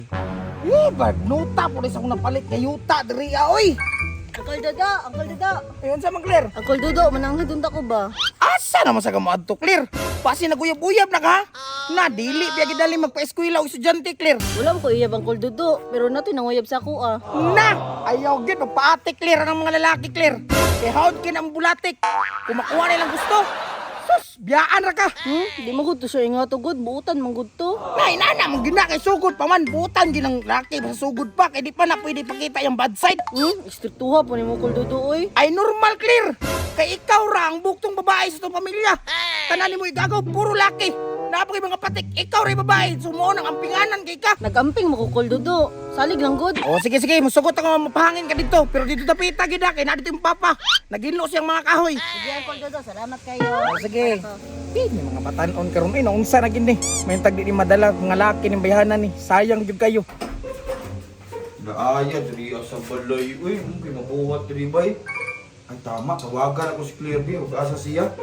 Nuta po rin sa akong napalit nga yuta diri oy. Uncle Dodo. Ayun sa mga Claire. Uncle Dodo, mananghid unta ko ba? Asa naman sa kamo adto Claire? Pasi naguyab-uyab na ka? Na dili biya gidali magpa-eskwela og estudyante Claire. Wala ko iyab Uncle Dodo, pero nato nanguyab sa ako ah. Na! Ayaw gid magpaate Claire ng mga lalaki Claire. Kay hawd kin ang bulatik. Kung makuha nilang gusto. Sus, biyaan ra ka. Di mo gud to siya nga to good, buutan man gud to. Nay, nana, mong gina kay sugod pa man. Butan ginang laki, sa sugod pa. Kaya di pa na pwede pakita yung bad side. Istriktuha po ni mo Uncle Dodo oy. Ay, normal, clear. Kay ikaw ra ang buktong babae sa itong pamilya. Tanan mo igagaw, puro laki. Napakay mga patik, ikaw rin babae. Sumuon ang ampinganan kay ka. Nagamping mo ko Uncle Dodo. Salig lang good. Oh, sige, masugot ako mapahangin ka dito. Pero dito tapita, gida, kay na dito yung papa. Naginlo siyang mga kahoy. Sige Uncle Dodo, salamat kayo. Oh, sige. May mga batanon karon eh, naunsa na gini. May tagdi ni madala mga laki ng bayahanan ni. Sayang gyud kayo. Naaya diri sa balay. Uy, kay mabuhat diri bay. Ay tama, tawagan ako si Claire B. Ug asa siya?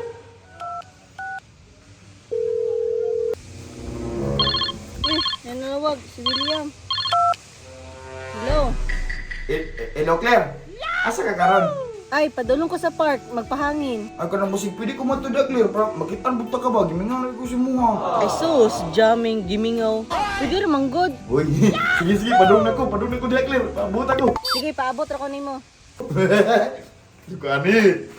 Yan nawag si William. Hello. Hello Claire. Asa ka karon? Ay, padulong ko sa park, magpahangin. Ay kanang musik pwede ko matuda Claire para makitan bugta ka ba? Gimingan ko si Muha. Ay sus, jamming, gimingaw. Pwede naman good. Uy, sige padung na ko diha Claire. Paabot ako. Sige, paabot ra ko nimo. Dugani.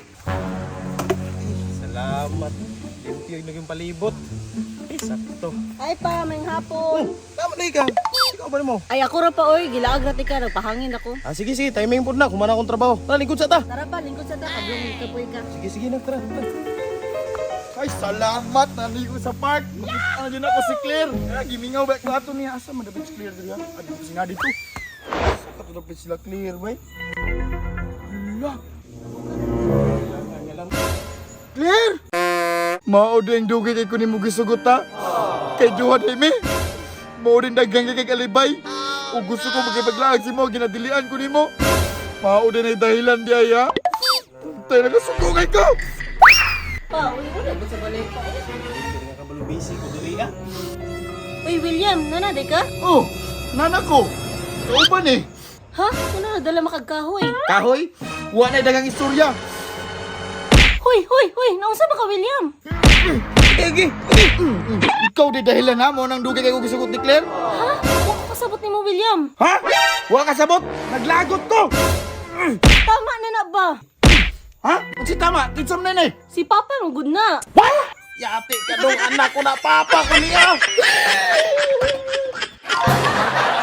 Salamat. Limpyo yung naging palibot. Sakto. Ay pa, may hapon. Tama na ikaw. Ikaw ba mo? Ay ako ra pa oy, gilaag ra tika, nagpahangin ako. Sige, timing po na. Kumana akong trabaho. Tara, lingkod sa ta. Tara pa, lingkod sa ta, kablong kapoy ka. Sige, tara. Ay, salamat. Naligo sa park. Makita nyo na ako si Claire. Gimingaw ba ko ato niya. Asa madabit si Claire dito? Adi ko singa dito. Saka to dapat sila Claire, bay. Hala. Lang. Claire! Mao din dugay kay kunin mo gisugot ha. Kay duha day mi. Mao din dagang kay kalibay. O gusto ko magipaglaag si mo ginadilian ko nimo. Mao din ay dahilan di ay ha. Tay nagasugungay ko. Pa, uli ba sa balay pa? Kaya nga kabalo busy ko dili ah. Uy, William, nanaday ka? Oh, nana ko. Kauban eh. Ha? Ano na dala makagkahoy? Kahoy, wa na dagang istorya. Hoy, naunsa ba ka, William? Ege. Ikaw di dahilan na mo nang dugay kay ko gisugot ni Claire. Ha? Huwag ko kasabot ni mo, William. Ha? Wa ka sabot. Naglagot ko. Tama na na ba? Ha? Si tama, kinsam na ni. Si Papa mo good na. What? Yati ka dong anak ko na papa ko niya.